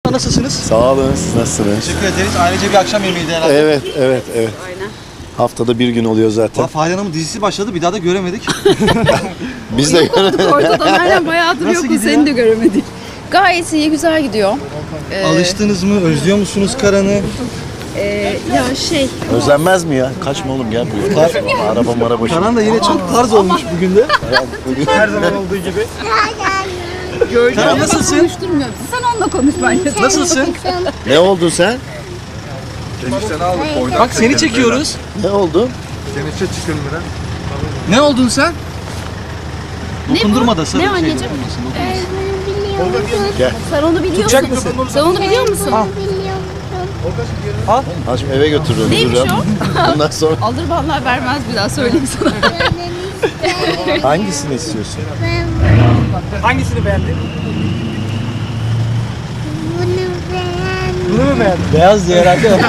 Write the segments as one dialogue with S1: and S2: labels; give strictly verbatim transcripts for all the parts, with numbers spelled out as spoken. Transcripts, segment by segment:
S1: Merhaba, nasılsınız?
S2: Sağ olun, siz nasılsınız?
S1: Teşekkür ederiz. Ailece bir akşam yemeğiydi herhalde.
S2: Evet, evet, evet.
S3: Aynen.
S2: Haftada bir gün oluyor zaten.
S1: Fahriye Hanım'ın dizisi başladı, bir daha da göremedik.
S2: Biz de
S3: Yok olduk ortada. Aynen bayağıdır
S1: Nasıl
S3: yokuz,
S1: gidiyor?
S3: seni de göremedik. Gayet iyi, güzel gidiyor. Ee,
S1: Alıştınız mı? Özlüyor musunuz Karan'ı?
S3: e, ya şey,
S2: Özlenmez mi ya? Kaçma oğlum gel buraya. Araba mara boşuna.
S1: Karan da yine çok tarz olmuş bugün de.
S2: Her zaman olduğu gibi.
S1: Karan nasılsın?
S3: konuşturmuyor. Sen onunla konuş bence.
S1: Nasılsın?
S2: Ne oldun sen?
S1: Bak seni çekiyoruz.
S2: Ne oldun?
S1: Ne oldun sen?
S3: Ne
S1: Dokundurma da
S3: bu?
S1: sarı
S3: Ne
S1: şey
S3: anneciğim?
S2: Gel.
S3: Sen onu biliyor
S1: Tutacak
S3: musun?
S1: mısın?
S3: Sen onu biliyor musun?
S2: Ha şimdi eve götürürüm.
S3: Neymiş
S2: Ondan sonra
S3: Alır vallahi vermez, bir daha söyleyeyim sana.
S2: hangisini istiyorsun?
S1: Hangisini beğendin?
S4: Bunu beğendim.
S1: Bunu mu beğendin? Beyaz diye herhalde.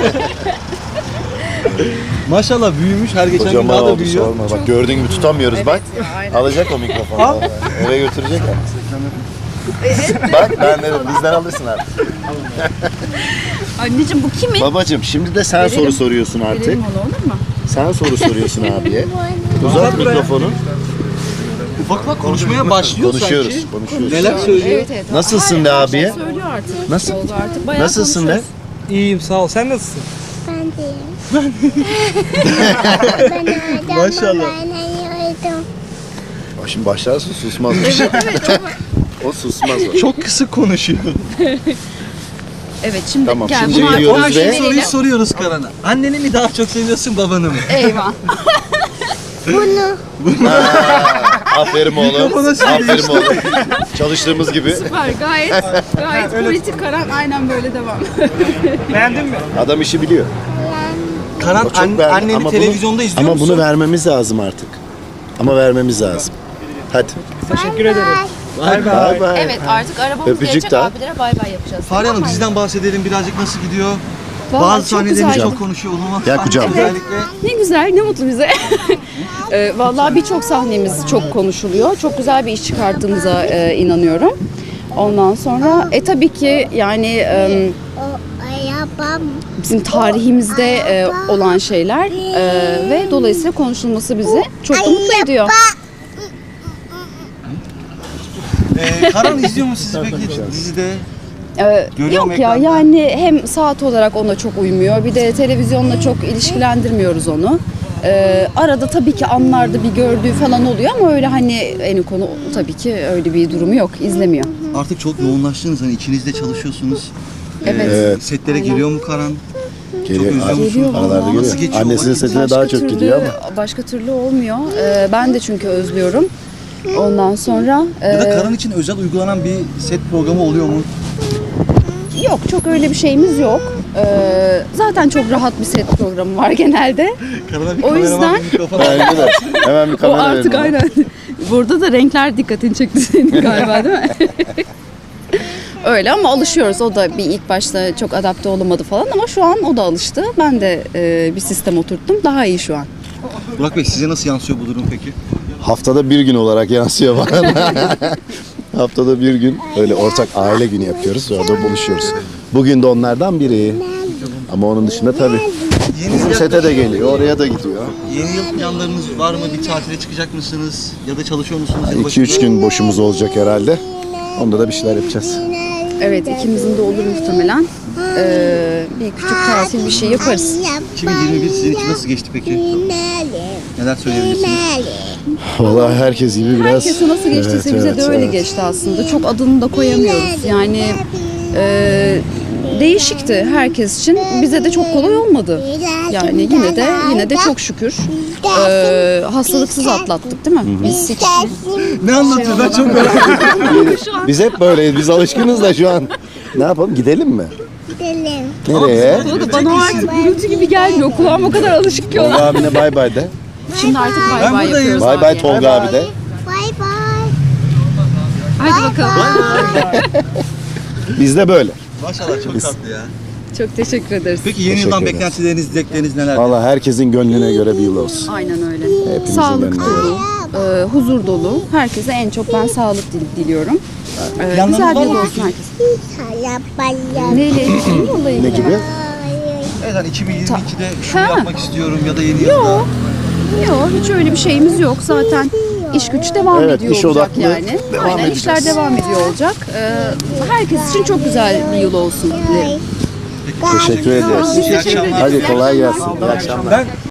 S1: Maşallah büyümüş, her geçen gün
S2: Kocaman
S1: daha da
S2: oldu
S1: büyüyor.
S2: sorma. Bak gördüğün gibi tutamıyoruz bak.
S3: aynen.
S2: Alacak o mikrofonu. vallahi. Eve götürecek ya. Bak ben de bizden alırsın artık.
S3: Anneciğim bu kimin?
S2: Babacım şimdi de sen
S3: Verelim.
S2: soru soruyorsun artık.
S3: Verelim onu, olur mu?
S2: Sen soru soruyorsun abiye. Uzat mikrofonu.
S1: Ufak ufak konuşmaya başlıyor
S2: Konuşuyoruz,
S1: sanki.
S2: konuşuyoruz.
S1: Neler söylüyor?
S3: Evet evet.
S2: Nasılsın de
S3: Her- her
S2: abiye?
S3: şey söylüyor artık.
S2: Nasıl?
S3: Oldu artık. Bayağı
S2: Nasılsın de?
S3: konuşuyoruz.
S5: İyiyim sağ ol. Sen nasılsın?
S4: Ben değilim. Ben orada
S1: Maşallah.
S4: babanayıyordum.
S2: Bak şimdi başlarsın susmaz. O susmaz o.
S1: Çok kısık konuşuyor.
S3: Evet şimdi
S2: Tamam,
S3: gel
S2: şimdi
S3: bunu artık
S2: geliyoruz
S3: karşıya
S2: ve-
S1: Soruyu
S3: verelim.
S1: soruyoruz Karan'a. Anneni mi daha çok seviyorsun, babanı mı?
S3: Eyvah.
S4: Bunu.
S2: Aferin oğlum.
S1: Mikrofona söylüyor
S2: Aferin oğlum. Çalıştığımız gibi.
S3: Süper, gayet gayet politik karan, aynen böyle devam.
S5: Beğendin mi?
S2: Adam işi biliyor.
S1: Karan
S2: O çok
S1: an,
S2: beğendi.
S1: anneni
S2: Ama
S1: televizyonda
S2: bunu,
S1: izliyor
S2: ama
S1: musun?
S2: bunu vermemiz lazım artık. Ama vermemiz lazım. Hadi.
S5: Teşekkür ederim.
S1: Vay be.
S2: Bay bay.
S3: Evet, artık arabamız
S2: Öpücük
S3: gelecek,
S2: daha.
S3: abilere bay bay yapacağız.
S1: Fahriye Hanım,
S3: Tamam mı?
S1: diziden bahsedelim birazcık, nasıl gidiyor?
S3: Vallahi
S1: Bazı
S3: çok
S1: sahnelerinde
S3: güzel.
S1: çok konuşuyor. Olmaz.
S2: Gel kucağıma.
S1: Özellikle.
S3: Ne güzel, ne mutlu bize. Ee, vallahi birçok sahnemiz çok konuşuluyor. Çok güzel bir iş çıkarttığımıza e, inanıyorum. Ondan sonra e tabii ki yani e,
S4: O arabam.
S3: bizim tarihimizde e, olan şeyler e, ve dolayısıyla konuşulması bizi çok da mutlu ediyor.
S1: Ee, Karan izliyor mu sizi peki dizide?
S3: Ee,
S1: Görüyor mu
S3: yok ya,
S1: ekranda?
S3: yani hem saat olarak ona çok uymuyor, bir de televizyonla çok ilişkilendirmiyoruz onu. Ee, arada tabii ki anlarda bir gördüğü falan oluyor ama öyle hani en konu tabii ki öyle bir durumu yok, izlemiyor.
S1: Artık çok yoğunlaştınız, hani ikiniz de çalışıyorsunuz.
S3: Evet.
S2: Evet.
S1: Setlere
S3: Aynen.
S1: geliyor mu Karan?
S2: Geliyor.
S1: özlüyor musun?
S3: Geliyor
S2: Aralarda
S3: vallahi.
S2: geliyor.
S1: Nasıl geçiyor
S2: Annesinin
S1: vakit?
S2: setine daha çok
S3: türlü,
S2: gidiyor ama.
S3: Başka türlü olmuyor. Ee, ben de çünkü özlüyorum. Ondan sonra
S1: Ya da
S3: e,
S1: Karan için özel uygulanan bir set programı oluyor mu?
S3: yok, çok öyle bir şeyimiz yok. Ee, zaten çok rahat bir set programı var genelde.
S1: Karan'a bir
S3: O
S1: kameraman,
S3: yüzden-
S1: bir mikrofon.
S2: Bence de. Hemen bir
S3: O
S2: kamera
S3: artık
S2: verin ona.
S3: aynen. Burada da renkler dikkatini çekti senin galiba, değil mi? Öyle ama alışıyoruz. O da bir ilk başta çok adapte olamadı falan ama şu an o da alıştı. Ben de e, bir sistem oturttum. Daha iyi şu an.
S1: Burak Bey, size nasıl yansıyor bu durum peki?
S2: Haftada bir gün olarak yansıyor bana. Haftada bir gün öyle ortak aile günü yapıyoruz. Orada buluşuyoruz. Bugün de onlardan biri. Ama onun dışında tabii.
S1: Yeni
S2: Bizim
S1: yıl,
S2: sete de geliyor, oraya da gidiyor.
S1: yeni yıl planlarınız var mı? Bir tatile çıkacak mısınız? Ya da çalışıyor musunuz?
S2: iki
S1: yılbaşında?
S2: üç gün boşumuz olacak herhalde. Onda da bir şeyler yapacağız.
S3: Evet, ikimizin de olur muhtemelen. Ee, bir küçük tatil bir şey yaparız.
S1: iki bin yirmi bir sizin için nasıl geçti peki? Neler söyleyebilirsiniz?
S2: Vallahi herkes gibi biraz...
S3: Herkese nasıl geçtiyse
S2: Evet,
S3: bize
S2: evet,
S3: de öyle
S2: evet.
S3: geçti aslında. Çok adını da koyamıyoruz. Yani e, değişikti herkes için. Bize de çok kolay olmadı. Yani yine de yine de çok şükür e, hastalıksız atlattık, değil mi? Biz hiç
S1: Ne anlatıyor? Ben çok merak ediyorum.
S2: Biz hep böyleyiz, biz alışkınız da şu an. Ne yapalım, gidelim mi?
S4: Gidelim.
S2: Nereye?
S3: o da bana o artık gürültü gibi gelmiyor. Kulağım o kadar alışık ki
S2: Tolga
S3: ona.
S2: abine bay bay de.
S3: Şimdi artık bay
S1: Ben
S3: bay
S1: buradayım.
S3: yapıyoruz.
S2: Bay bay
S3: abiye.
S2: Tolga abi de.
S4: Bay bay.
S3: Hadi bakalım.
S2: Biz de böyle.
S1: Maşallah çok tatlı ya.
S3: Çok teşekkür ederiz.
S1: Peki yeni
S2: Teşekkür
S1: yıldan
S2: ederiz.
S1: beklentileriniz, dilekleriniz neler?
S2: Vallahi herkesin gönlüne göre bir yıl olsun.
S3: Aynen öyle.
S2: Hepimizin
S3: Sağlık
S2: gönlüne
S3: dolu, e, huzur dolu. Herkese en çok ben sağlık dil- diliyorum. Ee,
S1: Planlarınız
S3: güzel bir
S1: var
S3: yıl
S1: mı
S3: olsun
S1: peki?
S3: herkes.
S4: Arabaya.
S3: Neyle ilgili? Yolla ilgili.
S2: Ne gibi?
S1: Evet hani iki bin yirmi ikide şunu
S3: Ha.
S1: yapmak istiyorum ya da yeni
S3: Yok.
S1: yılda.
S3: Yok, hiç öyle bir şeyimiz yok. Zaten iş güç devam
S2: Evet,
S3: ediyor
S2: iş
S3: olacak
S2: odaklı
S3: yani.
S2: devam
S3: Aynen,
S2: edeceğiz.
S3: işler devam ediyor olacak. Ee, herkes için çok güzel bir yıl olsun dilerim.
S2: Teşekkür ederiz.
S1: İyi akşamlar.
S2: Hadi kolay gelsin. İyi akşamlar.
S5: Ben